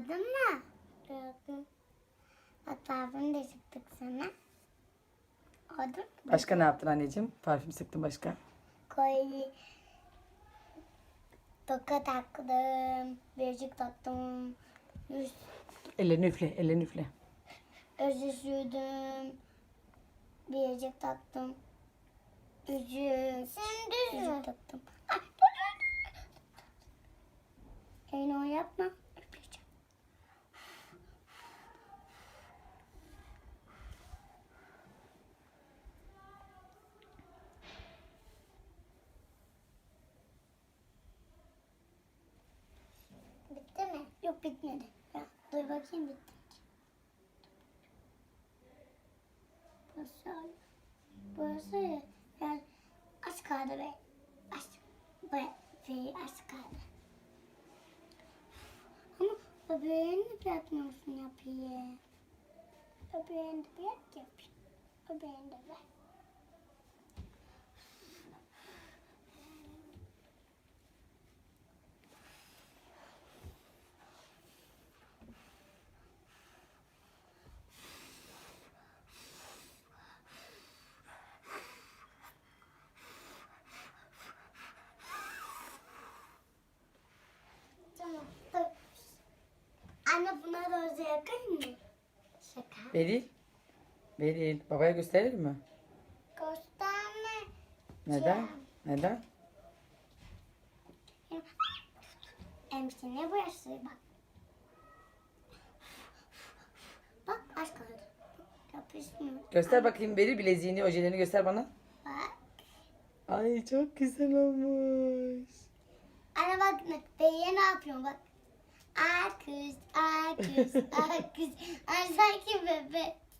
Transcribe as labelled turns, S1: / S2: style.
S1: Gördün mü? Gördüm. Bak parfüm de sıktık sana. Oldu mu?
S2: Başka ne yaptın anneciğim? Parfüm sıktın başka.
S1: Kolye. Toka taktım. Birazcık taktım. Yüz,
S2: Ellerini üfle, ellerini üfle.
S1: özü sürdüm. Birazcık taktım. Yüzük. Sen düz yüzük taktım. Ay, dur. Elini o yapma. Üfleyeceğim. Bitti mi? Yok bitmedi. Ya, dur bakayım bitti. Burası, burası yani az kaldı ve az az kaldı. Ama öbürünü de bırakmıyorsun yapayım. Öbürünü de bırak yapayım. Öbürünü de ver. Tamam. Dur. Anne buna da yakın mı? Şaka.
S2: Beril. Beril. Babaya gösterir mi?
S1: Gösterme.
S2: Neden? Neden?
S1: Emsi ne burası bak. Bak az kaldı. Yapışmıyor.
S2: Göster bakayım Beril bileziğini, ojelerini göster bana.
S1: Bak.
S2: Ay çok güzel olmuş.
S1: Anne bak Bey'e ne yapıyorum bak. Akız, akız, akız. Ay sanki bebe.